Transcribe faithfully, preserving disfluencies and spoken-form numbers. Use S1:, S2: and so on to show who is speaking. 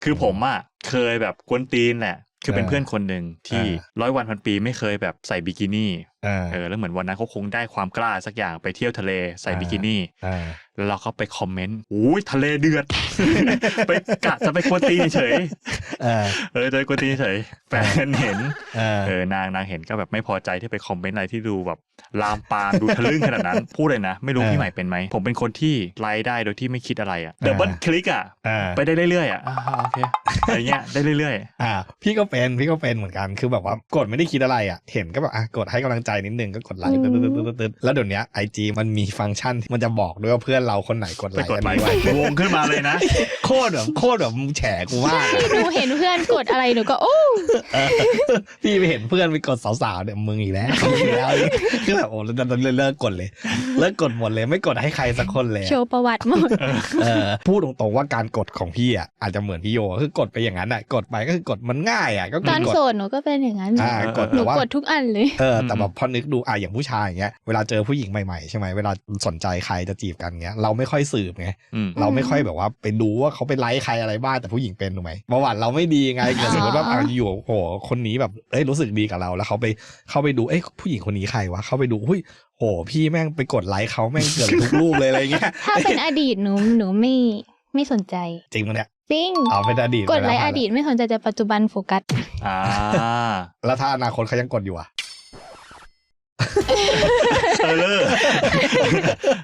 S1: คือผมอ่ะเคยแบบกวนตีนแหละคือเป็นเพื่อนคนหนึ่งที่ร้อยวันพันปีไม่เคยแบบใส่บิกินี่เออแล้วเหมือนวันนั้นเขาคงได้ความกล้าสักอย่างไปเที่ยวทะเลใส่บิกินี่แล้วเราก็ไปคอมเมนต์อุ้ยทะเลเดือด ไปกะจะไปกวนตีนเฉยเออเออจะไปกวนตีนเฉยแฟนเห็นเออนางนางเห็นก็แบบไม่พอใจที่ไปคอมเมนต์อะไรที่ดูแบบลามปามดูทะลึ่งขนาดนั้นพูดเลยนะไม่รู้พี่ใหม่เป็นไหมผมเป็นคนที่ไลค์ได้โดยที่ไม่คิดอะไรอ่ะดับเบิลคลิกอ่ะไปได้เรื่อยๆอ่ะโอเคอะไรเงี้ยได้เรื่อยๆ
S2: อ่าพี่ก็เป็นพี่ก็เป็นเหมือนกันคือแบบว่ากดไม่ได้คิดอะไรอ่ะเห็นก็แบบอ่ะกดให้กำลังใจนิดนึงก็กดไลค์ตึ๊ดๆๆๆแล้วเดี๋ยวนี้ไอจีมันมีฟังก์ชันที่มันจะบอกด้วยว่าเพื่อนเราคนไหนกดไลค์อันนี้ไว้
S1: วงขึ้นมาเลยนะ
S2: โคตรแบบโคตรแบบมึงแฉกูมาก
S3: หนูเห็นเพื่อนกดอะไรหนูก็โอ้
S2: พี่ไปเห็นเพื่อนไปกดสาวๆเนี่ยมึงอีกแล้วอีกแล้วคือแบบโอ้แล้วเลิกกดเลยเลิกกดหมดเลยไม่กดให้ใครสักคนเลย
S3: โชว์ประวัติหมด
S2: เออพูดตรงๆว่าการกดของพี่อ่ะอาจจะเหมือนพี่โยคือกดไปอย่างนั้นอ่ะกดไปก็คือกดมันง่ายอ่ะก็
S3: ตอนโสดหนูก็เป็นอย่างนั้นหนูกดทุกอันเลย
S2: เออแต่แบบพอนึกดูอ่ะอย่างผู้ชายอย่างเงี้ยเวลาเจอผู้หญิงใหม่ๆใช่ไหมเวลาสนใจใครจะจีบกันเงี้ยเราไม่ค่อยสืบไงเราไม่ค่อยแบบว่าไปดูว่าเขาไปไลค์ใครอะไรบ้างแต่ผู้หญิงเป็นถูกไหมประวัติเราไม่ดีไงเกิดสมมติว่าอ่ะอยู่โหคนนี้แบบเอ้ยรู้สึกดีกับเราแล้วเขาไปเข้าไปดูเอ้ยผู้หญิงคนนี้ใครวะเข้าไปดูหุ้ยโหพี่แม่งไปกดไลค์เขาแม่งเกือบทุกรูปเลยอะไรเงี้ย
S3: ถ้าเป็นอดีตหนูหนูไม่ไม่สนใจ
S2: จริงมั้ยเนี่ย
S3: จริง
S2: อ๋อเป็นอดีต
S3: กดไลค์อดีตไม่สนใจแต่ปัจจุบันโฟกัส
S1: อ่า
S2: แล้วถ้าอนาคตเขายังกดอยู่อ่ะ
S1: เออ